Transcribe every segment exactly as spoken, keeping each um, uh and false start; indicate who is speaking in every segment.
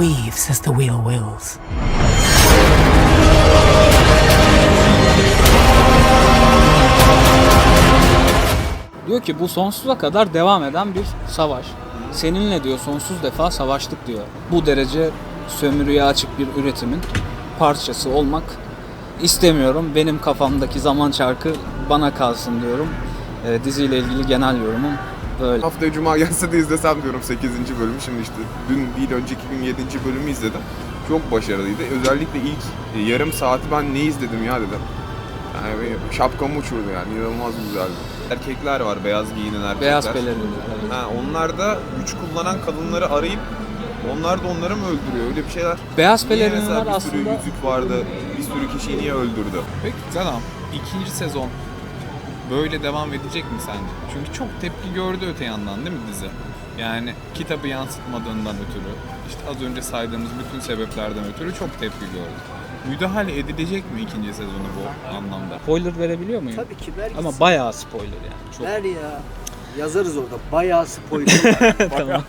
Speaker 1: weaves as the wheel wills.
Speaker 2: Diyor ki bu sonsuza kadar devam eden bir savaş. Seninle diyor sonsuz defa savaştık diyor. Bu derece sömürüye açık bir üretimin parçası olmak istemiyorum. Benim kafamdaki zaman çarkı bana kalsın diyorum. E, diziyle ilgili genel yorumum böyle.
Speaker 3: Haftaya Cuma gelse de izlesem diyorum sekizinci bölümü. Şimdi işte dün değil önceki gün yedinci bölümü izledim. Çok başarılıydı. Özellikle ilk e, yarım saati ben ne izledim ya dedim. Yani benim şapkamı uçurdu yani. İnanılmaz güzeldi. Erkekler var, beyaz giyinen erkekler.
Speaker 2: Beyaz pelerinli.
Speaker 3: Ha, onlar da güç kullanan kadınları arayıp onlar da onları mı öldürüyor? Öyle bir şeyler.
Speaker 2: Beyaz
Speaker 3: Niye
Speaker 2: pelerinliler
Speaker 3: mesela bir sürü
Speaker 2: aslında...
Speaker 3: yüzük vardı, bir sürü kişiyi niye öldürdü?
Speaker 4: Peki tamam, ikinci sezon böyle devam edecek mi sence? Çünkü çok tepki gördü öte yandan değil mi dizi? Yani kitabı yansıtmadığından ötürü, işte az önce saydığımız bütün sebeplerden ötürü çok tepki gördü. Müdahale edilecek mi ikinci sezonu bu anlamda?
Speaker 2: Spoiler verebiliyor muyum?
Speaker 5: Tabii ki ver
Speaker 2: Ama
Speaker 5: gitsin.
Speaker 2: bayağı spoiler yani. Çok.
Speaker 5: Ver ya. Yazarız orada. Bayağı spoiler var.
Speaker 2: Tamam.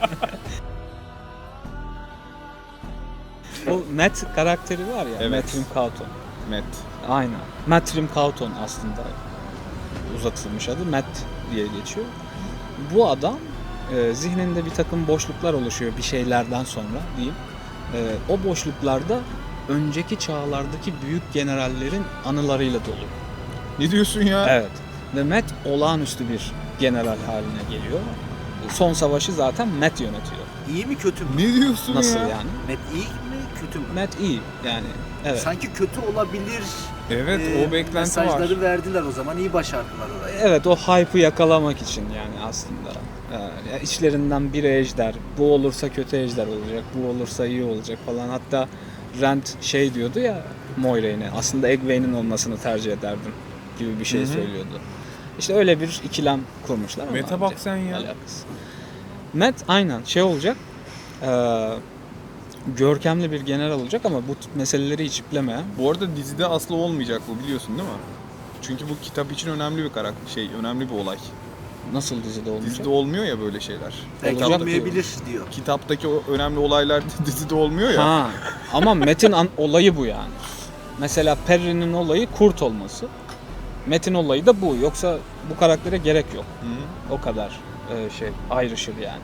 Speaker 2: O Matt karakteri var ya,
Speaker 4: Evet.
Speaker 2: Matt Rimcauton.
Speaker 4: Met.
Speaker 2: Aynen. Matt Rimcauton aslında uzatılmış adı. Matt diye geçiyor. Bu adam e, zihninde bir takım boşluklar oluşuyor bir şeylerden sonra diyeyim. E, o boşluklarda önceki çağlardaki büyük generallerin anılarıyla dolu.
Speaker 4: Ne diyorsun ya?
Speaker 2: Evet. Ve Matt olağanüstü bir general haline geliyor. Son savaşı zaten Matt yönetiyor.
Speaker 5: İyi mi kötü mü?
Speaker 4: Ne diyorsun
Speaker 2: Nasıl
Speaker 4: ya?
Speaker 2: yani?
Speaker 5: Met iyi mi kötü mü?
Speaker 2: Matt iyi yani. Evet.
Speaker 5: Sanki kötü olabilir.
Speaker 4: Evet,
Speaker 5: e,
Speaker 4: o beklenti
Speaker 5: mesajları
Speaker 4: var.
Speaker 5: verdiler o zaman. İyi başardılar orayı.
Speaker 2: Evet, o hype'ı yakalamak için yani aslında. Ee, ya içlerinden biri ejder. Bu olursa kötü ejder olacak. Bu olursa iyi olacak falan. Hatta Rand şey diyordu ya Moiraine'e. Aslında Egwene'in olmasını tercih ederdim gibi bir şey
Speaker 4: Hı hı.
Speaker 2: söylüyordu. İşte öyle bir ikilem kurmuşlar. ama
Speaker 4: Matt'e bak
Speaker 2: bence
Speaker 4: sen ya.
Speaker 2: alakası. Matt aynen şey olacak. Ee, görkemli bir general olacak ama bu tip meseleleri hiç iplemeyen.
Speaker 4: Bu arada dizide aslı olmayacak bu, biliyorsun değil mi? Çünkü bu kitap için önemli bir karakter, şey, önemli bir olay.
Speaker 2: Nasıl dizide olmayacak?
Speaker 4: Dizide olmuyor ya böyle şeyler.
Speaker 5: Belki
Speaker 2: Olacak
Speaker 5: olmayabilir diyor.
Speaker 4: Kitaptaki o önemli olaylar dizide olmuyor ya.
Speaker 2: Ha. Ama Matt'in an- olayı bu yani. Mesela Perry'nin olayı kurt olması. Matt'in olayı da bu. Yoksa bu karaktere gerek yok.
Speaker 4: Hı.
Speaker 2: O kadar e, şey ayrışır yani.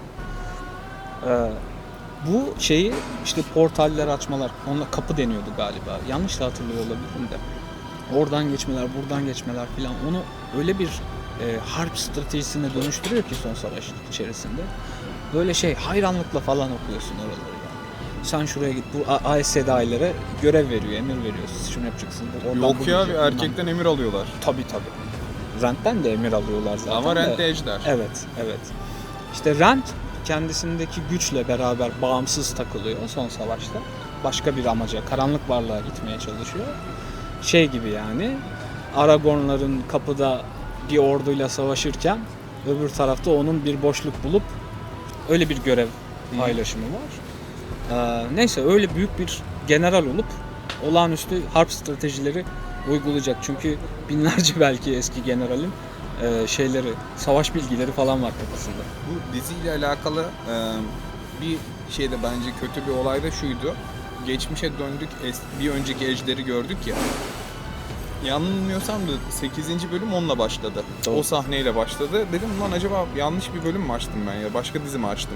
Speaker 2: E, bu şeyi işte portaller açmalar, onunla kapı deniyordu galiba. Yanlış da hatırlıyor olabilirim de. Oradan geçmeler, buradan geçmeler filan onu öyle bir e, harp stratejisine dönüştürüyor ki son savaş içerisinde. Böyle şey hayranlıkla falan okuyorsun oraları yani. Sen şuraya git, bu A- ASDA'ilere görev veriyor, emir veriyor. Siz şunu yapacaksın. bu- Oradan
Speaker 4: Yok
Speaker 2: bu
Speaker 4: ya,
Speaker 2: gidecek, bundan-
Speaker 4: erkekten emir alıyorlar.
Speaker 2: Tabii tabii. Rand'den de emir alıyorlar zaten.
Speaker 4: Ama
Speaker 2: de.
Speaker 4: Rand de ejder.
Speaker 2: Evet, evet. İşte Rand kendisindeki güçle beraber bağımsız takılıyor son savaşta. Başka bir amaca, karanlık varlığa gitmeye çalışıyor. Şey gibi yani, Aragorn'ların kapıda bir orduyla savaşırken öbür tarafta onun bir boşluk bulup öyle bir görev paylaşımı var. Ee, neyse öyle büyük bir general olup olağanüstü harp stratejileri uygulayacak. Çünkü binlerce belki eski generalin e, şeyleri, savaş bilgileri falan var kafasında.
Speaker 4: Bu diziyle alakalı e, bir şey de bence kötü bir olay da şuydu. Geçmişe döndük, es- bir önceki ejderi gördük ya. Yanılmıyorsam da sekizinci bölüm onunla başladı.
Speaker 2: Doğru.
Speaker 4: O sahneyle başladı. Dedim lan acaba yanlış bir bölüm mü açtım ben ya? Başka dizi mi açtım?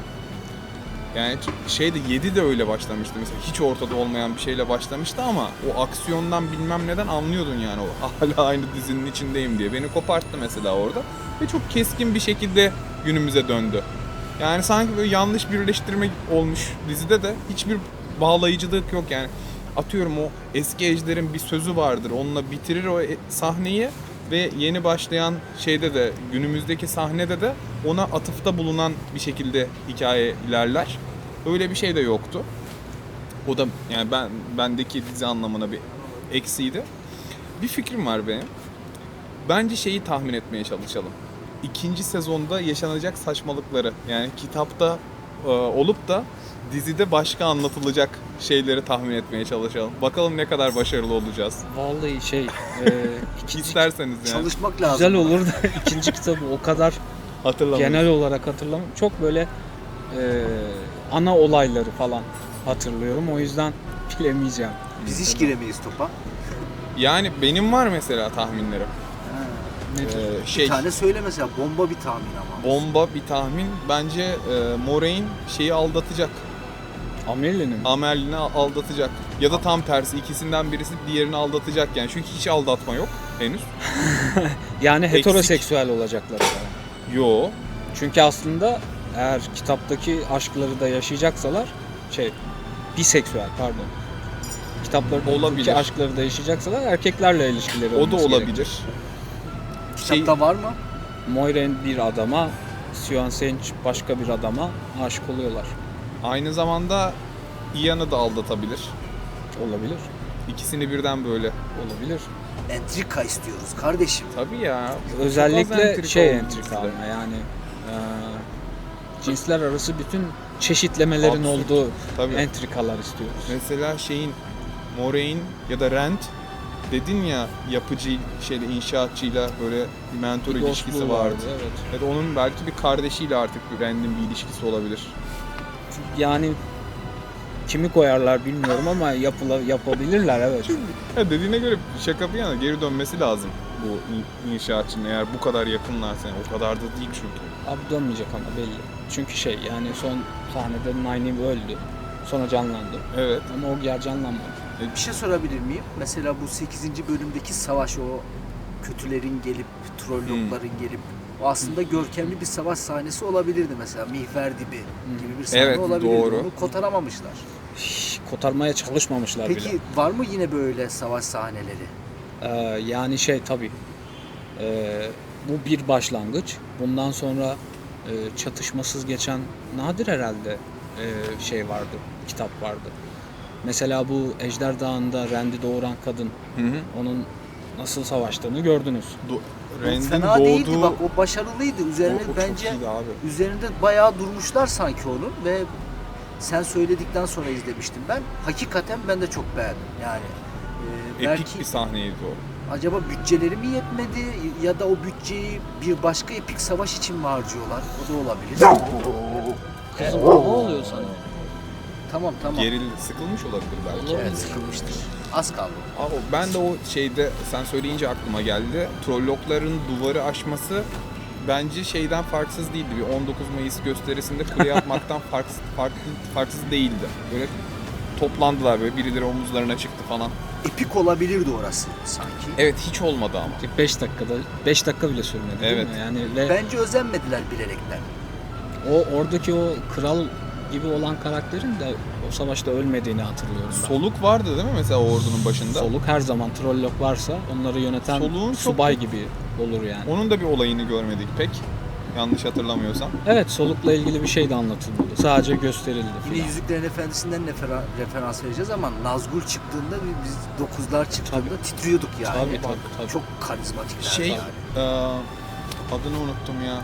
Speaker 4: Yani şeyde yedi de öyle başlamıştı mesela. Hiç ortada olmayan bir şeyle başlamıştı ama o aksiyondan bilmem neden anlıyordun yani o hala aynı dizinin içindeyim diye. Beni koparttı mesela orada. Ve çok keskin bir şekilde günümüze döndü. Yani sanki böyle yanlış birleştirme olmuş dizide de hiçbir bağlayıcılık yok yani. Atıyorum o eski ejderin bir sözü vardır. Onunla bitirir o e- sahneyi ve yeni başlayan şeyde de günümüzdeki sahnede de ona atıfta bulunan bir şekilde hikaye ilerler. Öyle bir şey de yoktu. O da yani ben bendeki dizi anlamına bir eksiydi. Bir fikrim var benim. Bence şeyi tahmin etmeye çalışalım. İkinci sezonda yaşanacak saçmalıkları yani kitapta e, olup da dizide başka anlatılacak şeyleri tahmin etmeye çalışalım. Bakalım ne kadar başarılı olacağız.
Speaker 2: Vallahi şey, e, ikinci,
Speaker 4: İsterseniz yani.
Speaker 5: Çalışmak lazım.
Speaker 2: güzel olur da ikinci kitabı o kadar
Speaker 4: Hatırlamayın.
Speaker 2: genel olarak hatırlamam. Çok böyle e, ana olayları falan hatırlıyorum. O yüzden bilemeyeceğim.
Speaker 5: Biz hiç giremeyiz topa.
Speaker 4: Yani benim var mesela tahminlerim.
Speaker 2: Nedir?
Speaker 4: Ee, şey
Speaker 5: Bir tane söyle mesela, bomba bir tahmin ama.
Speaker 4: bomba bir tahmin. Bence e, Moraine şeyi aldatacak.
Speaker 2: Amelie'nin.
Speaker 4: Amelie'ni aldatacak. Ya da tam tersi, ikisinden birisi diğerini aldatacak yani. Çünkü hiç aldatma yok henüz.
Speaker 2: Yani
Speaker 4: Eksik.
Speaker 2: heteroseksüel olacaklar. Yani.
Speaker 4: Yo.
Speaker 2: Çünkü aslında eğer kitaptaki aşkları da yaşayacaksalar şey biseksüel pardon. Kitaplardaki
Speaker 4: Olabilir.
Speaker 2: aşkları da yaşayacaksalar erkeklerle ilişkileri
Speaker 4: O da
Speaker 2: olması
Speaker 4: olabilir.
Speaker 2: gerekir.
Speaker 4: Şey,
Speaker 5: Kitapta var mı?
Speaker 2: Moiraine bir adama, Sion Sench başka bir adama aşık oluyorlar.
Speaker 4: aynı zamanda Ian'ı da aldatabilir.
Speaker 2: Olabilir.
Speaker 4: İkisini birden böyle.
Speaker 2: Olabilir.
Speaker 5: Entrika istiyoruz kardeşim.
Speaker 4: Tabii ya. Çok az
Speaker 2: Özellikle
Speaker 4: entrika
Speaker 2: şey
Speaker 4: oldu
Speaker 2: entrika
Speaker 4: bizde.
Speaker 2: ama yani e, cinsler arası bütün çeşitlemelerin
Speaker 4: Absürt.
Speaker 2: olduğu
Speaker 4: Tabii.
Speaker 2: entrikalar istiyoruz.
Speaker 4: Mesela şeyin Moraine ya da Rand dedin ya, yapıcı şeyle inşaatçıyla böyle bir mentor
Speaker 2: Bir
Speaker 4: ilişkisi
Speaker 2: dostluğu
Speaker 4: vardı.
Speaker 2: Evet.
Speaker 4: Ya da onun belki bir kardeşiyle artık bir Rand'in bir ilişkisi olabilir.
Speaker 2: Yani kimi koyarlar bilmiyorum ama yapıla, yapabilirler evet.
Speaker 4: Ya dediğine göre şaka bir yana geri dönmesi lazım bu in- inşaatçının, eğer bu kadar yakınlarsa. Yani o kadar da değil çünkü.
Speaker 2: Abi dönmeyecek ama belli. Çünkü şey yani son sahnede Nynaeve öldü. Sonra canlandı.
Speaker 4: Evet.
Speaker 2: Ama o yer canlanmadı.
Speaker 5: Bir şey sorabilir miyim? Mesela bu sekizinci bölümdeki savaş, o kötülerin gelip, trollokların
Speaker 4: Hmm.
Speaker 5: gelip, o aslında görkemli bir savaş sahnesi olabilirdi mesela. Mihver dibi gibi bir sahne
Speaker 4: Evet,
Speaker 5: olabilirdi.
Speaker 4: doğru.
Speaker 5: Onu kotaramamışlar.
Speaker 2: Hiç kotarmaya çalışmamışlar
Speaker 5: Peki
Speaker 2: bile.
Speaker 5: var mı yine böyle savaş sahneleri?
Speaker 2: Ee, yani şey tabii. Ee, bu bir başlangıç. Bundan sonra e, çatışmasız geçen nadir herhalde e, şey vardı. Kitap vardı. Mesela bu Ejder Dağı'nda Rand'i doğuran kadın.
Speaker 4: Hı hı.
Speaker 2: Onun nasıl savaştığını gördünüz.
Speaker 4: Do-
Speaker 5: O
Speaker 4: Rand'in
Speaker 5: fena değildi
Speaker 4: doğduğu...
Speaker 5: bak, o başarılıydı. Üzerine
Speaker 4: O- o çok
Speaker 5: bence
Speaker 4: iyiydi abi.
Speaker 5: üzerinde bayağı durmuşlar sanki onun ve sen söyledikten sonra izlemiştim ben. Hakikaten ben de çok beğendim. Yani e,
Speaker 4: Epik
Speaker 5: belki
Speaker 4: bir sahneydi o.
Speaker 5: acaba bütçeleri mi yetmedi ya da o bütçeyi bir başka epik savaş için mi harcıyorlar? O da olabilir.
Speaker 2: Kızım ne oluyor sana?
Speaker 5: Tamam tamam.
Speaker 4: Gerildi, sıkılmış olabilir belki.
Speaker 5: Evet, sıkılmıştır. Az kaldı.
Speaker 4: Abi ben de o şeyde sen söyleyince aklıma geldi. Trollokların duvarı aşması bence şeyden farksız değildi. Bir on dokuz Mayıs gösterisinde kule yapmaktan farksız, farklı, farksız değildi. Böyle toplandılar, böyle birileri omuzlarına çıktı falan.
Speaker 5: Epik olabilirdi orası sanki.
Speaker 4: Evet, hiç olmadı ama.
Speaker 2: beş dakikada beş dakika bile sürmedi değil
Speaker 4: Evet.
Speaker 2: mi? Yani ve
Speaker 5: Bence özenmediler bilerekten.
Speaker 2: o oradaki o kral gibi olan karakterin de o savaşta ölmediğini hatırlıyorum ben.
Speaker 4: Soluk vardı değil mi mesela o ordunun başında?
Speaker 2: Soluk her zaman trollok varsa onları yöneten
Speaker 4: Soluğun çok-
Speaker 2: subay gibi olur yani.
Speaker 4: Onun da bir olayını görmedik pek. Yanlış hatırlamıyorsam.
Speaker 2: Evet, solukla ilgili bir şey de anlatılmadı. Sadece gösterildi
Speaker 5: Yine
Speaker 2: filan.
Speaker 5: Yüzüklerin Efendisi'nden refera- referans vereceğiz ama Nazgul çıktığında biz dokuzlar çıktığında titriyorduk yani.
Speaker 2: Tabii, tabii, tabii.
Speaker 5: Çok karizmatikler
Speaker 4: Şey,
Speaker 5: yani.
Speaker 4: eee, adını unuttum ya.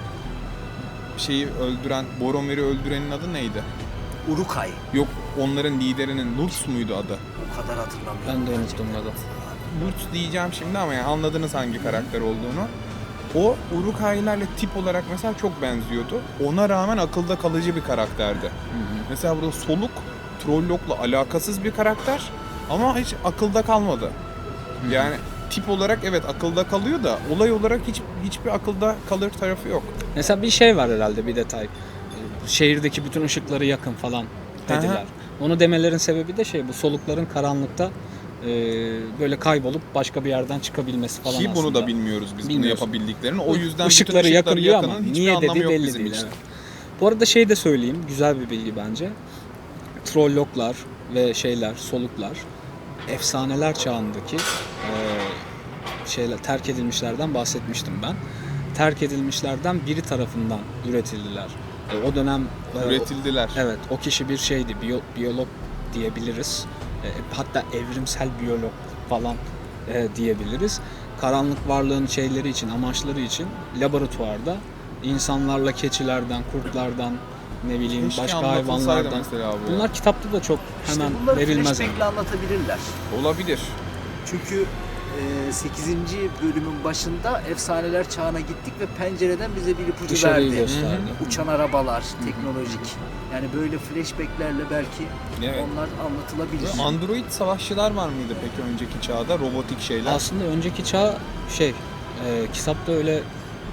Speaker 4: Şeyi öldüren, Boromir'i öldürenin adı neydi?
Speaker 5: Uruk-hai.
Speaker 4: Yok, onların liderinin Lutz muydu adı?
Speaker 5: O kadar hatırlamıyorum.
Speaker 2: Ben de unuttum adı.
Speaker 4: Lutz diyeceğim şimdi ama yani anladınız hangi karakter olduğunu. O Uruk-hai'lerle tip olarak mesela çok benziyordu. Ona rağmen akılda kalıcı bir karakterdi. Mesela burada Soluk, Trollok'la alakasız bir karakter ama hiç akılda kalmadı. Yani tip olarak evet akılda kalıyor da olay olarak hiç hiçbir akılda kalır tarafı yok.
Speaker 2: Mesela bir şey var herhalde, bir detay. Şehirdeki bütün ışıkları yakın falan dediler.
Speaker 4: Aha.
Speaker 2: Onu demelerin sebebi de şey, bu solukların karanlıkta e, böyle kaybolup başka bir yerden çıkabilmesi falan
Speaker 4: Ki bunu
Speaker 2: aslında.
Speaker 4: da bilmiyoruz biz bunu
Speaker 2: Bilmiyorsun.
Speaker 4: yapabildiklerini. O yüzden
Speaker 2: Işıkları
Speaker 4: bütün ışıkları
Speaker 2: yakın diyor ama
Speaker 4: yakının hiçbir
Speaker 2: niye
Speaker 4: anlamı
Speaker 2: dediği
Speaker 4: yok
Speaker 2: belli
Speaker 4: bizim
Speaker 2: değil.
Speaker 4: için.
Speaker 2: Evet. Bu arada şey de söyleyeyim, güzel bir bilgi bence. Trolloklar ve şeyler, soluklar efsaneler çağındaki e, şeyler, terk edilmişlerden bahsetmiştim ben. Terk edilmişlerden biri tarafından üretildiler. E, o dönem e,
Speaker 4: Üretildiler.
Speaker 2: evet, o kişi bir şeydi, biyo- biyolog diyebiliriz. E, hatta evrimsel biyolog falan e, diyebiliriz. Karanlık varlığın şeyleri için, amaçları için laboratuvarda insanlarla keçilerden, kurtlardan, ne bileyim
Speaker 4: Keşke
Speaker 2: başka
Speaker 4: anlatılsaydı
Speaker 2: hayvanlardan.
Speaker 4: mesela bu ya.
Speaker 2: Bunlar kitapta da çok
Speaker 5: İşte
Speaker 2: hemen
Speaker 5: bunları
Speaker 2: verilmez.
Speaker 5: flashback'le anlatabilirler.
Speaker 4: Olabilir.
Speaker 5: Çünkü sekizinci bölümün başında efsaneler çağına gittik ve pencereden bize bir ipucu
Speaker 2: Dışarıyı
Speaker 5: verdi.
Speaker 2: gösterdi.
Speaker 5: Uçan arabalar, teknolojik. Yani böyle flashbacklerle belki
Speaker 4: Evet.
Speaker 5: onlar anlatılabilir.
Speaker 4: Böyle Android savaşçılar var mıydı peki önceki çağda? Robotik şeyler.
Speaker 2: Aslında önceki çağ şey, e, kitapta öyle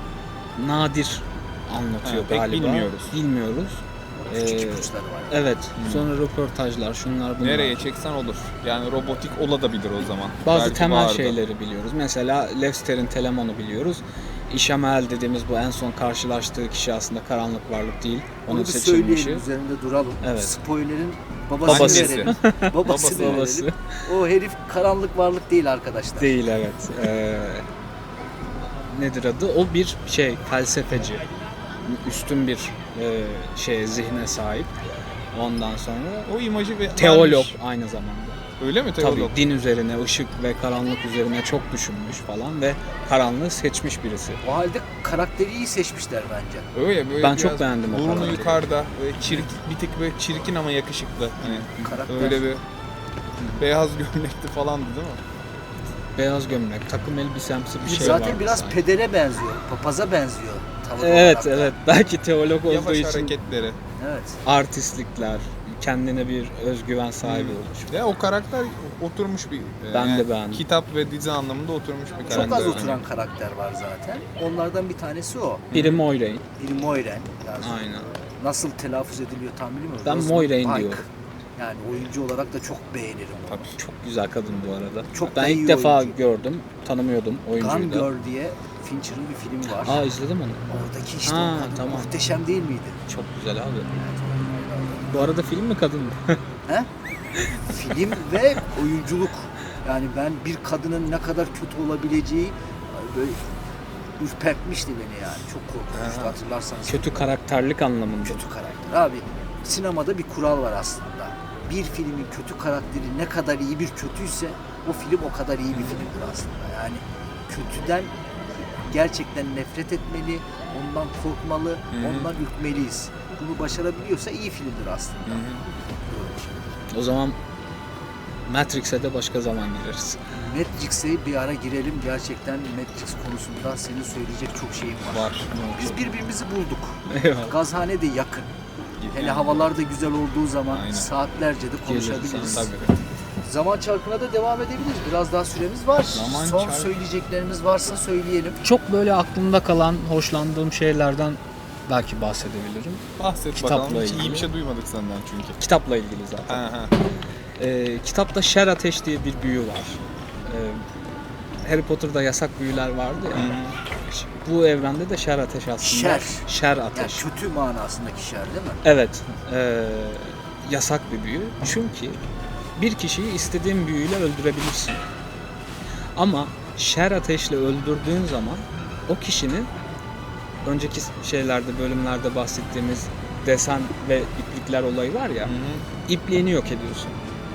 Speaker 2: nadir anlatıyor
Speaker 4: Ha, pek
Speaker 2: galiba.
Speaker 4: bilmiyoruz.
Speaker 2: Bilmiyoruz.
Speaker 5: Küçük
Speaker 2: Ee,
Speaker 5: ipuçları var.
Speaker 2: Evet. Sonra röportajlar, şunlar bunlar.
Speaker 4: Nereye çeksen olur. Yani robotik olabilir o zaman.
Speaker 2: Bazı
Speaker 4: Belki
Speaker 2: temel
Speaker 4: vardı.
Speaker 2: şeyleri biliyoruz. Mesela Lester'in Telemon'u biliyoruz. İşamel dediğimiz bu en son karşılaştığı kişi aslında karanlık varlık değil. Onun
Speaker 5: Onu bir
Speaker 2: seçilmişi.
Speaker 5: söyleyelim, üzerinde duralım.
Speaker 2: Evet.
Speaker 5: Spoiler'in babasını
Speaker 2: Babası.
Speaker 5: verelim. Babasını
Speaker 4: Babası.
Speaker 5: verelim.
Speaker 2: Babası.
Speaker 5: O herif karanlık varlık değil arkadaşlar.
Speaker 2: Değil, evet. Ee, nedir adı? O bir şey, felsefeci. Üstün bir e, şeye, zihne sahip. Ondan sonra
Speaker 4: O imajı ve
Speaker 2: teolog
Speaker 4: vermiş.
Speaker 2: aynı zamanda.
Speaker 4: Öyle mi teolog?
Speaker 2: Tabii din üzerine, ışık ve karanlık üzerine çok düşünmüş falan ve karanlığı seçmiş birisi.
Speaker 5: O halde karakteri iyi seçmişler bence.
Speaker 4: Öyle böyle
Speaker 2: Ben
Speaker 4: biraz
Speaker 2: çok beğendim o
Speaker 4: burnu
Speaker 2: karakteri.
Speaker 4: yukarıda, böyle çirkin, bir tık böyle çirkin ama yakışıklı. Hani
Speaker 5: Karakter.
Speaker 4: öyle bir beyaz gömlekli falandı değil mi?
Speaker 2: Beyaz gömlek, takım elbisemsi bir şey
Speaker 5: Zaten
Speaker 2: vardı
Speaker 5: biraz
Speaker 2: sanki.
Speaker 5: pedere benziyor, papaza benziyor. tavır
Speaker 2: Evet,
Speaker 5: olarak da.
Speaker 2: evet. Belki teolog olduğu
Speaker 4: Yavaş
Speaker 2: için
Speaker 4: hareketleri.
Speaker 5: Evet.
Speaker 2: artistlikler, kendine bir özgüven sahibi
Speaker 4: Hmm.
Speaker 2: olmuş.
Speaker 4: Ya o karakter oturmuş bir e,
Speaker 2: Ben de beğendim.
Speaker 4: kitap ve dizi anlamında oturmuş bir karakter.
Speaker 5: Çok az
Speaker 4: yani.
Speaker 5: oturan karakter var zaten. Onlardan bir tanesi o.
Speaker 2: Biri Moiraine.
Speaker 5: Biri Moiraine. Yani
Speaker 2: Aynen.
Speaker 5: nasıl telaffuz ediliyor tam bilmiyorum.
Speaker 2: Ben
Speaker 5: Rosamund
Speaker 2: Moiraine
Speaker 5: Pike.
Speaker 2: diyorum.
Speaker 5: Yani oyuncu olarak da çok beğenirim onu.
Speaker 4: Tabii.
Speaker 2: Çok güzel kadın bu arada.
Speaker 5: Çok
Speaker 2: ben
Speaker 5: da
Speaker 2: ilk
Speaker 5: iyi
Speaker 2: defa
Speaker 5: oyuncu.
Speaker 2: gördüm, tanımıyordum oyuncuyu
Speaker 5: Gun
Speaker 2: da.
Speaker 5: Girl diye Fincher'ın bir filmi var.
Speaker 2: Aa, izledim onu.
Speaker 5: Oradaki işte
Speaker 2: Ha,
Speaker 5: o kadın
Speaker 2: tamam.
Speaker 5: muhteşem değil miydi?
Speaker 2: Çok güzel abi. Bu arada film mi kadın mı?
Speaker 5: He? Film ve oyunculuk. Yani ben bir kadının ne kadar kötü olabileceği böyle ürpertmişti beni yani. Çok korkunçtu
Speaker 4: Ha.
Speaker 5: hatırlarsanız.
Speaker 2: Kötü karakterlik anlamında.
Speaker 5: Kötü karakter. Abi sinemada bir kural var aslında. Bir filmin kötü karakteri ne kadar iyi bir kötüyse o film o kadar iyi bir filmdir aslında. Yani kötüden gerçekten nefret etmeli, ondan korkmalı,
Speaker 4: Hı-hı.
Speaker 5: ondan ürkmeliyiz. Bunu başarabiliyorsa iyi filmdir aslında.
Speaker 2: O zaman Matrix'e de başka zaman gireriz.
Speaker 5: Matrix'e bir ara girelim. Gerçekten Matrix konusunda senin söyleyecek çok şeyin var.
Speaker 4: Var.
Speaker 5: Biz birbirimizi bulduk.
Speaker 2: Eyvallah.
Speaker 5: Gazhane de yakın. Hele havalar da güzel olduğu zaman
Speaker 4: Aynen.
Speaker 5: saatlerce de konuşabiliriz.
Speaker 4: Tabii.
Speaker 5: Zaman çarkına da devam edebiliriz. Biraz daha süremiz var.
Speaker 4: Zaman
Speaker 5: Son
Speaker 4: çarkı-
Speaker 5: söyleyeceklerimiz varsa söyleyelim.
Speaker 2: Çok böyle aklımda kalan, hoşlandığım şeylerden belki bahsedebilirim.
Speaker 4: Bahset
Speaker 2: Kitapla
Speaker 4: bakalım. Hiç iyi
Speaker 2: ilgili.
Speaker 4: bir şey duymadık senden çünkü.
Speaker 2: Kitapla ilgili zaten.
Speaker 4: Ha ha.
Speaker 2: Ee, kitapta şer ateş diye bir büyü var. Ee, Harry Potter'da yasak büyüler vardı ya. Bu evrende de şer ateş aslında.
Speaker 5: Şer.
Speaker 2: Şer
Speaker 5: Yani
Speaker 2: ateş.
Speaker 5: kötü manasındaki şer değil mi?
Speaker 2: Evet. ee, yasak bir büyü. Çünkü bir kişiyi istediğin büyüyle öldürebilirsin. Ama şer ateşle öldürdüğün zaman o kişinin önceki şeylerde, bölümlerde bahsettiğimiz desen ve iplikler olayı var ya,
Speaker 4: Hı hı.
Speaker 2: ipliğini yok ediyorsun.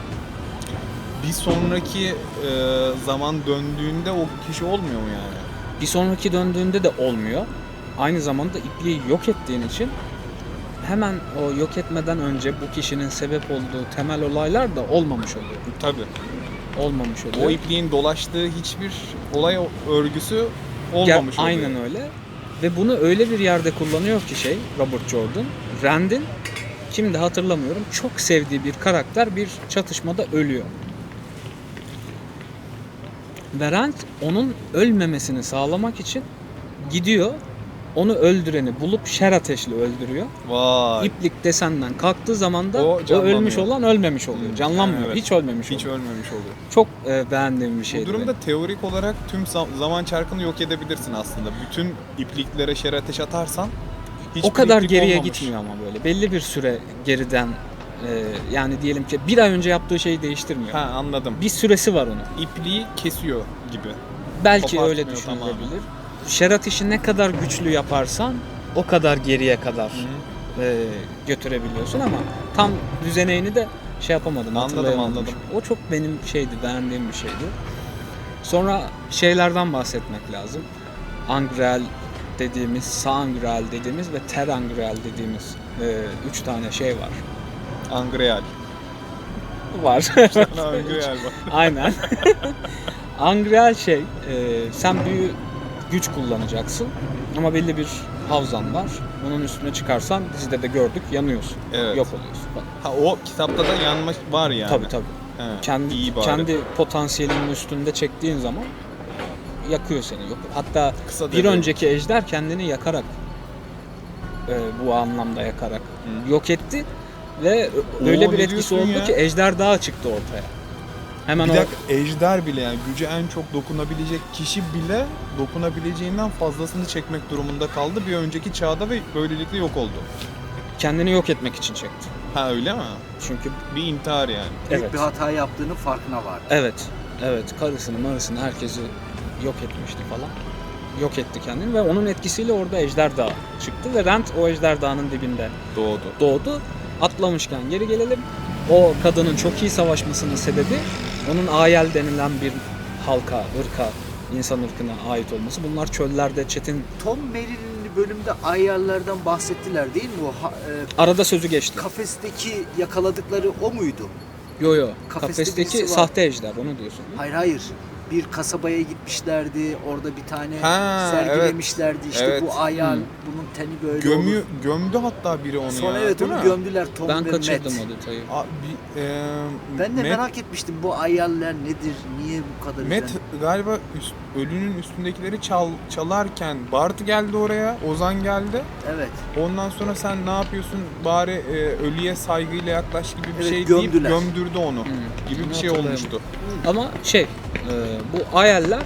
Speaker 4: Bir sonraki e, zaman döndüğünde o kişi olmuyor mu yani?
Speaker 2: Bir sonraki döndüğünde de olmuyor. Aynı zamanda ipliği yok ettiğin için hemen o yok etmeden önce bu kişinin sebep olduğu temel olaylar da olmamış oluyor.
Speaker 4: Tabii.
Speaker 2: Olmamış oluyor.
Speaker 4: O ipliğin dolaştığı hiçbir olay örgüsü
Speaker 2: Ger-
Speaker 4: olmamış oluyor.
Speaker 2: Aynen öyle. Ve bunu öyle bir yerde kullanıyor ki şey Robert Jordan. Rand'in kimdi hatırlamıyorum çok sevdiği bir karakter bir çatışmada ölüyor. Ve Rand onun ölmemesini sağlamak için gidiyor onu öldüreni bulup şer ateşle öldürüyor.
Speaker 4: Vay.
Speaker 2: İplik desenden kalktığı zaman da
Speaker 4: O
Speaker 2: o,
Speaker 4: canlanmıyor.
Speaker 2: ölmüş olan ölmemiş oluyor.
Speaker 4: Hmm.
Speaker 2: Canlanmıyor.
Speaker 4: Evet.
Speaker 2: Hiç ölmemiş
Speaker 4: Hiç
Speaker 2: oluyor.
Speaker 4: ölmemiş oluyor.
Speaker 2: Çok e, beğendiğim bir şeydi.
Speaker 4: Bu durumda
Speaker 2: benim.
Speaker 4: teorik olarak tüm zam- zaman çarkını yok edebilirsin aslında. Bütün ipliklere şer ateş atarsan hiçbir
Speaker 2: o kadar
Speaker 4: iplik
Speaker 2: geriye
Speaker 4: olmamış.
Speaker 2: gitmiyor ama böyle. Belli bir süre geriden e, yani diyelim ki bir ay önce yaptığı şeyi değiştirmiyor.
Speaker 4: Ha anladım.
Speaker 2: Bir süresi var onun.
Speaker 4: İpliği kesiyor gibi.
Speaker 2: Belki öyle
Speaker 4: kopartmıyor
Speaker 2: düşünülebilir. Şerat işi ne kadar güçlü yaparsan o kadar geriye kadar
Speaker 4: Hı.
Speaker 2: e, götürebiliyorsun ama tam düzeneğini de şey yapamadım.
Speaker 4: Anladım,
Speaker 2: hatırlayamadım.
Speaker 4: anladım.
Speaker 2: O çok benim şeydi, beğendiğim bir şeydi. Sonra şeylerden bahsetmek lazım. Angreal dediğimiz, Sangreal dediğimiz ve Terangreal dediğimiz e, üç tane şey var.
Speaker 4: Angreal.
Speaker 2: Var.
Speaker 4: Angreal var.
Speaker 2: Aynen. Angreal şey, e, sen büyü güç kullanacaksın ama belli bir havzan var. Onun üstüne çıkarsan dizide de gördük yanıyorsun.
Speaker 4: Evet.
Speaker 2: Yok oluyorsun. Bak,
Speaker 4: Ha, o kitapta da yanma var yani.
Speaker 2: tabii tabii.
Speaker 4: He,
Speaker 2: Kendi
Speaker 4: iyi bari.
Speaker 2: kendi potansiyelinin üstünde çektiğin zaman yakıyor seni. Yok. Hatta
Speaker 4: Kısa
Speaker 2: bir
Speaker 4: devre.
Speaker 2: önceki ejder kendini yakarak e, bu anlamda yakarak
Speaker 4: Hı.
Speaker 2: yok etti ve
Speaker 4: Oo,
Speaker 2: öyle bir
Speaker 4: ne
Speaker 2: etkisi
Speaker 4: diyorsun
Speaker 2: oldu
Speaker 4: ya?
Speaker 2: ki ejder dağı çıktı ortaya. Hemen
Speaker 4: Bir
Speaker 2: o
Speaker 4: dakika, ejder bile yani gücü en çok dokunabilecek kişi bile dokunabileceğinden fazlasını çekmek durumunda kaldı bir önceki çağda ve böylelikle yok oldu.
Speaker 2: kendini yok etmek için çekti.
Speaker 4: Ha öyle mi?
Speaker 2: Çünkü
Speaker 4: Bir intihar yani.
Speaker 5: Büyük
Speaker 2: evet.
Speaker 5: bir hata yaptığının farkına vardı.
Speaker 2: Evet. Evet. Karısını, marısını, herkesi yok etmişti falan. Yok etti kendini ve onun etkisiyle orada ejder dağı çıktı ve Rand o ejder dağının dibinde
Speaker 4: Doğdu.
Speaker 2: doğdu. Atlamışken geri gelelim. O kadının çok iyi savaşmasının sebebi onun Aiel denilen bir halka, ırka, insan ırkına ait olması. Bunlar çöllerde çetin
Speaker 5: Tom Merrill'in bölümde ayarlardan bahsettiler değil mi? O ha- e,
Speaker 2: arada sözü geçti.
Speaker 5: kafesteki yakaladıkları o muydu?
Speaker 2: Yo yo.
Speaker 5: Kafeste
Speaker 2: Kafesteki
Speaker 5: birisi var.
Speaker 2: sahte ejder onu diyorsun. değil mi?
Speaker 5: Hayır hayır. Bir kasabaya gitmişlerdi. Orada bir tane
Speaker 4: Ha,
Speaker 5: sergilemişlerdi. İşte
Speaker 4: evet.
Speaker 5: bu ayar,
Speaker 2: Hı.
Speaker 5: bunun teni böyle
Speaker 4: Gömü,
Speaker 5: olur.
Speaker 4: gömdü hatta biri onu
Speaker 5: Sonra
Speaker 4: ya.
Speaker 5: evet
Speaker 4: değil
Speaker 5: onu
Speaker 4: mi?
Speaker 5: gömdüler Tom
Speaker 2: Ben
Speaker 5: ve
Speaker 2: kaçırdım
Speaker 5: Matt.
Speaker 2: o detayı.
Speaker 4: A, bir, e,
Speaker 5: Ben de
Speaker 4: Matt-
Speaker 5: merak etmiştim bu ayarlar nedir, niye bu kadar
Speaker 4: Matt
Speaker 5: üzerine-
Speaker 4: galiba üst, ölünün üstündekileri çal, çalarken Bart geldi oraya, Ozan geldi.
Speaker 5: Evet.
Speaker 4: Ondan sonra sen ne yapıyorsun bari e, ölüye saygıyla yaklaş gibi bir
Speaker 5: Evet,
Speaker 4: şey
Speaker 5: gömdüler.
Speaker 4: deyip gömdürdü onu
Speaker 2: Hı.
Speaker 4: gibi bir
Speaker 2: Onu
Speaker 4: şey
Speaker 2: hatırlayamadım.
Speaker 4: olmuştu.
Speaker 2: Ama şey, e, bu Aiel'ler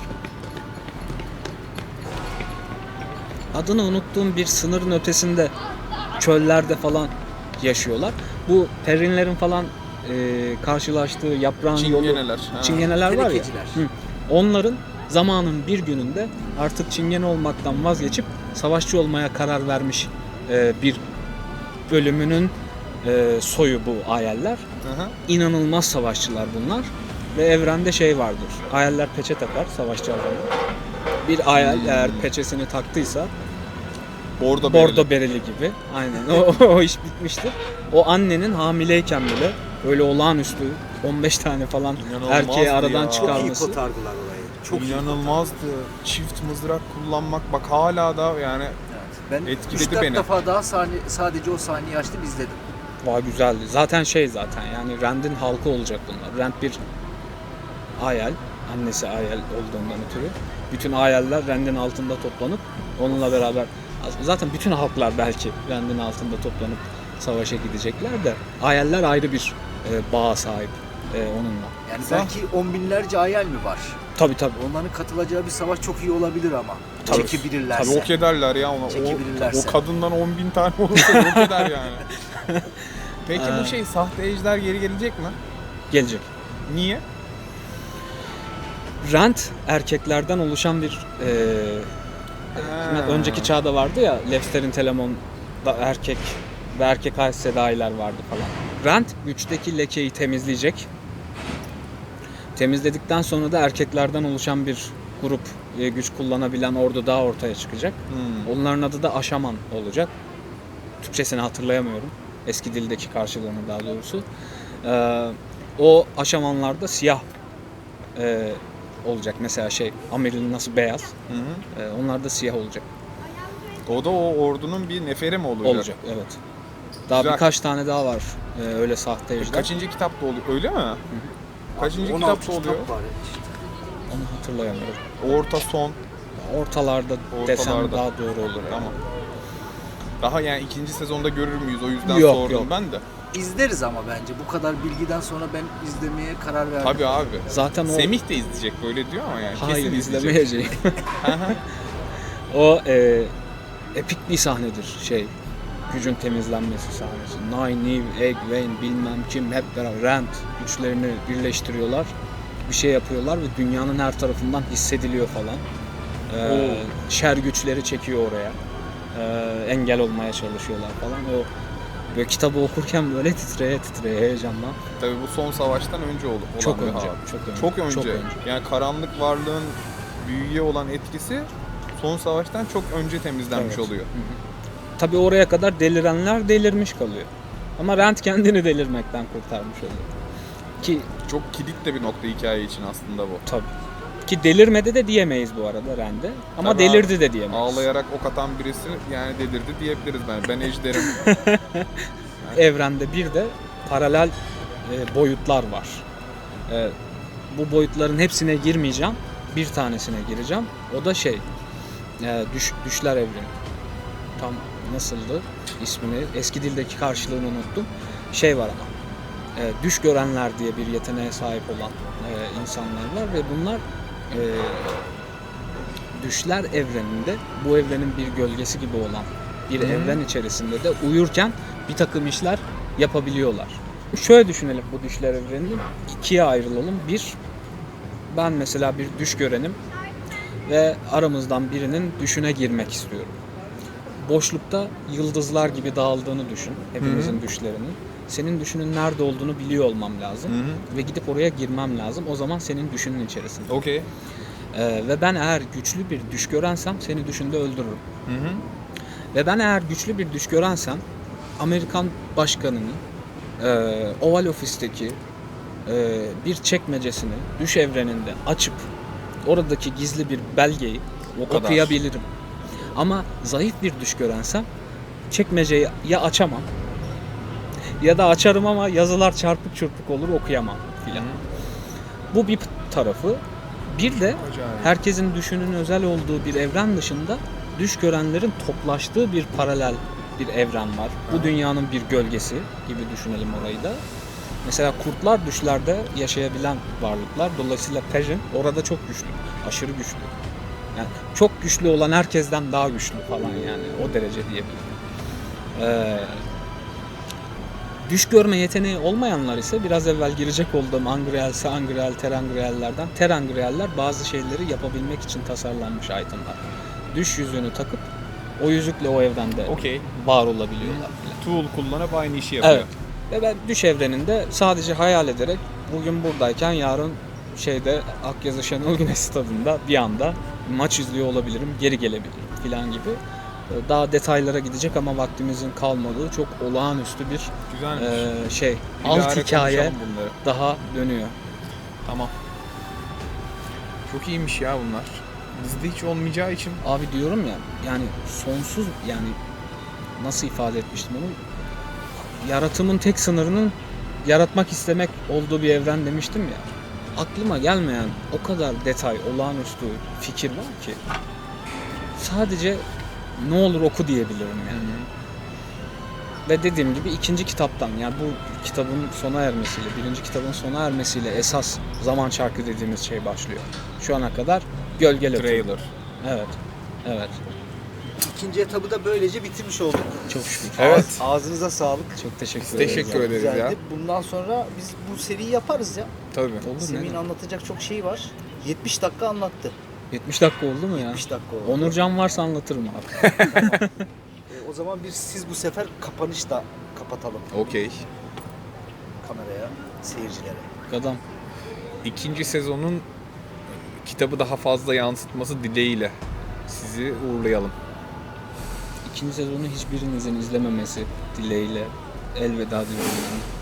Speaker 2: adını unuttuğum bir sınırın ötesinde çöllerde falan yaşıyorlar. Bu Perrinlerin falan e, karşılaştığı yaprağın yolu
Speaker 4: Çingeneler. ha.
Speaker 2: çingeneler var ya.
Speaker 5: Tenekeciler.
Speaker 2: Hı. Onların zamanın bir gününde artık çingene olmaktan vazgeçip savaşçı olmaya karar vermiş e, bir bölümünün e, soyu bu Aiel'ler.
Speaker 4: Hı hı.
Speaker 2: İnanılmaz savaşçılar bunlar. Ve evrende şey vardır. Aiel'ler peçe takar savaşçı adamı. Bir Aiel eğer peçesini taktıysa
Speaker 4: Bordo
Speaker 2: bordo
Speaker 4: bereli.
Speaker 2: bereli gibi. Aynen. O, o iş bitmiştir. O annenin hamileyken bile böyle olağanüstü on beş tane falan
Speaker 4: İnanılmazdı
Speaker 2: erkeği aradan
Speaker 4: ya.
Speaker 5: Çok iyi
Speaker 2: çıkarması.
Speaker 5: kotardılar orayı. Çok iyi
Speaker 4: İnanılmazdı. Çift mızrak kullanmak bak hala da yani
Speaker 5: Evet. Ben
Speaker 4: Etkiledi
Speaker 5: üç dört
Speaker 4: beni.
Speaker 5: defa daha sahne, sadece o sahneyi açtım izledim.
Speaker 2: Vay güzeldi. Zaten şey zaten yani Rand'in halkı olacak bunlar. Rand bir Aiel, annesi Aiel olduğundan ötürü. Bütün Aiel'ler Rand'in altında toplanıp onunla beraber zaten bütün halklar belki Rand'in altında toplanıp savaşa gidecekler de Aiel'ler ayrı bir e, bağa sahip e, onunla.
Speaker 5: Yani
Speaker 4: Sağ-
Speaker 5: belki on binlerce ayal mi var?
Speaker 2: Tabii tabii.
Speaker 5: Onların katılacağı bir savaş çok iyi olabilir ama.
Speaker 2: Tabii.
Speaker 5: Çekebilirlerse.
Speaker 4: tabii ok ederler ya ona. O,
Speaker 5: Çekebilirlerse.
Speaker 4: o kadından on bin tane olursa yok eder yani. Peki
Speaker 2: Ee.
Speaker 4: bu şey sahte ejder geri gelecek mi?
Speaker 2: Gelecek.
Speaker 4: Niye?
Speaker 2: Rand erkeklerden oluşan bir e,
Speaker 4: Ha.
Speaker 2: önceki çağda vardı ya Lefster'in Telemon'da erkek ve erkek Aes Sedai'ler vardı falan. Rand güçteki lekeyi temizleyecek. Temizledikten sonra da erkeklerden oluşan bir grup e, güç kullanabilen ordu daha ortaya çıkacak.
Speaker 4: Hmm.
Speaker 2: Onların adı da Aşaman olacak. Türkçesini hatırlayamıyorum. Eski dildeki karşılığını daha doğrusu. Ee, o Aşamanlarda siyah e, olacak. Mesela şey Amir'in nasıl beyaz.
Speaker 4: Hı hı.
Speaker 2: e, onlar da siyah olacak.
Speaker 4: O da o ordunun bir neferi mi olacak?
Speaker 2: Olacak evet. Daha
Speaker 4: Güzel.
Speaker 2: birkaç tane daha var. e, öyle sahte
Speaker 4: E,
Speaker 2: ejder.
Speaker 4: Kaçıncı kitapta oluyor? Öyle mi? Kaçıncı
Speaker 5: on altı
Speaker 4: kitapta oluyor?
Speaker 5: kitap var işte.
Speaker 2: Onu hatırlayamıyorum.
Speaker 4: Orta son.
Speaker 2: Ortalarda, desem
Speaker 4: Ortalarda.
Speaker 2: daha doğru olur. yani.
Speaker 4: Tamam. Daha yani ikinci sezonda görür müyüz? O yüzden
Speaker 2: Yok,
Speaker 4: sordum
Speaker 2: yok.
Speaker 4: ben de.
Speaker 5: İzleriz ama bence. Bu kadar bilgiden sonra ben izlemeye karar verdim.
Speaker 4: Tabii abi.
Speaker 2: Zaten o
Speaker 4: Semih de izleyecek böyle diyor ama yani
Speaker 2: hayır
Speaker 4: kesin izleyecek.
Speaker 2: izlemeyeceğim.
Speaker 4: Hı hı.
Speaker 2: O e, epik bir sahnedir şey. Gücün temizlenmesi sahnesi. Nynaeve, Egwene bilmem kim hep beraber Rand güçlerini birleştiriyorlar. Bir şey yapıyorlar ve dünyanın her tarafından hissediliyor falan. Ee,
Speaker 4: Oo.
Speaker 2: şer güçleri çekiyor oraya. Ee, engel olmaya çalışıyorlar falan. O böyle kitabı okurken böyle titreye titreye heyecanla.
Speaker 4: Tabii bu son savaştan önce ol- olan
Speaker 2: Çok
Speaker 4: bir
Speaker 2: önce,
Speaker 4: hal.
Speaker 2: çok önce.
Speaker 4: Çok önce.
Speaker 2: Çok önce.
Speaker 4: Yani karanlık varlığın büyüye olan etkisi son savaştan çok önce temizlenmiş
Speaker 2: Evet.
Speaker 4: oluyor.
Speaker 2: Tabii oraya kadar delirenler delirmiş kalıyor. Ama Rand kendini delirmekten kurtarmış oluyor. Ki
Speaker 4: Çok kilit de bir nokta hikaye için aslında bu.
Speaker 2: tabii. Ki delirmedi de diyemeyiz bu arada Rand'e. Ama
Speaker 4: Tabii
Speaker 2: delirdi de diyemeyiz.
Speaker 4: Ağlayarak ok atan birisi yani delirdi diyebiliriz ben. Ben ejderim.
Speaker 2: Evrende bir de paralel e, boyutlar var. E, bu boyutların hepsine girmeyeceğim. Bir tanesine gireceğim. O da şey, e, düş, düşler evreni. Tam nasıldı ismini? Eski dildeki karşılığını unuttum. Şey var ama. E, düş görenler diye bir yeteneğe sahip olan e, insanlar var ve bunlar e, düşler evreninde, bu evrenin bir gölgesi gibi olan bir
Speaker 4: Hı.
Speaker 2: evren içerisinde de uyurken bir takım işler yapabiliyorlar. Şöyle düşünelim bu düşler evrenini, ikiye ayrılalım. Bir, ben mesela bir düş görenim ve aramızdan birinin düşüne girmek istiyorum. Boşlukta yıldızlar gibi dağıldığını düşün, hepimizin düşlerinin. Senin düşünün nerede olduğunu biliyor olmam lazım
Speaker 4: Hı hı.
Speaker 2: ve gidip oraya girmem lazım. O zaman senin düşünün içerisinde.
Speaker 4: Okey.
Speaker 2: Ee, ve ben eğer güçlü bir düş görensem seni düşünde öldürürüm.
Speaker 4: Hı hı.
Speaker 2: Ve ben eğer güçlü bir düş görensem Amerikan başkanının e, Oval Ofis'teki e, bir çekmecesini düş evreninde açıp oradaki gizli bir belgeyi
Speaker 4: O kadar.
Speaker 2: okuyabilirim. Ama zayıf bir düş görensem çekmeceyi ya açamam ya da açarım ama yazılar çarpık çırpık olur, okuyamam filan. Bu bir tarafı. Bir de
Speaker 4: Acayip.
Speaker 2: herkesin düşünün özel olduğu bir evren dışında düş görenlerin toplaştığı bir paralel bir evren var. Bu dünyanın bir gölgesi gibi düşünelim orayı da. Mesela kurtlar düşlerde yaşayabilen varlıklar. Dolayısıyla Perrin orada çok güçlü. Aşırı güçlü. Yani çok güçlü olan herkesten daha güçlü falan yani. O derece diyebilirim. Ee, düş görme yeteneği olmayanlar ise biraz evvel girecek olduğum Angreal, Sangreal, Terangreal'lerden Terangreal'ler bazı şeyleri yapabilmek için tasarlanmış itemler. Düş yüzüğünü takıp o yüzükle o evrende
Speaker 4: Okey.
Speaker 2: var olabiliyorlar.
Speaker 4: Tool kullanıp aynı işi yapıyor.
Speaker 2: Evet. Ve ben düş evreninde sadece hayal ederek bugün buradayken yarın şeyde Akyazı Şenol Güneş Stadı'nda bir anda maç izliyor olabilirim, geri gelebilirim filan gibi. Daha detaylara gidecek ama vaktimizin kalmadığı çok olağanüstü bir
Speaker 4: Güzelmiş.
Speaker 2: e, şey,
Speaker 4: İlare
Speaker 2: alt hikaye
Speaker 4: konuşalım bunları.
Speaker 2: daha dönüyor.
Speaker 4: Tamam. Çok iyiymiş ya bunlar. Bizde hiç olmayacağı için.
Speaker 2: Abi diyorum ya yani sonsuz yani nasıl ifade etmiştim onu? Yaratımın tek sınırının yaratmak istemek olduğu bir evren demiştim ya. Aklıma gelmeyen o kadar detay, olağanüstü fikir var ki sadece ne olur oku diyebilirim yani. Ve dediğim gibi ikinci kitaptan yani bu kitabın sona ermesiyle, birinci kitabın sona ermesiyle esas zaman çarkı dediğimiz şey başlıyor. Şu ana kadar gölgeli
Speaker 4: Trailer.
Speaker 2: Evet. Evet.
Speaker 5: İkinci etabı da böylece bitirmiş olduk.
Speaker 2: Çok şükür.
Speaker 4: Evet.
Speaker 5: Ağız- ağzınıza sağlık.
Speaker 2: Çok teşekkür
Speaker 4: Biz
Speaker 2: ederim.
Speaker 4: teşekkür ederiz ya.
Speaker 5: Güzeldi. Bundan sonra biz bu seriyi yaparız ya.
Speaker 4: Tabii.
Speaker 2: Olur
Speaker 5: Semih'in
Speaker 2: ne?
Speaker 5: anlatacak çok şey var. yetmiş dakika anlattı.
Speaker 2: yetmiş dakika oldu mu ya?
Speaker 5: yetmiş dakika oldu.
Speaker 2: Onurcan varsa anlatırım abi.
Speaker 5: E, o zaman bir siz bu sefer kapanış da kapatalım
Speaker 4: Okey.
Speaker 5: kameraya, seyircilere.
Speaker 2: Adam.
Speaker 4: İkinci sezonun kitabı daha fazla yansıtması dileğiyle sizi uğurlayalım.
Speaker 2: İkinci sezonu hiçbirinizin izlememesi dileğiyle elveda diyorum.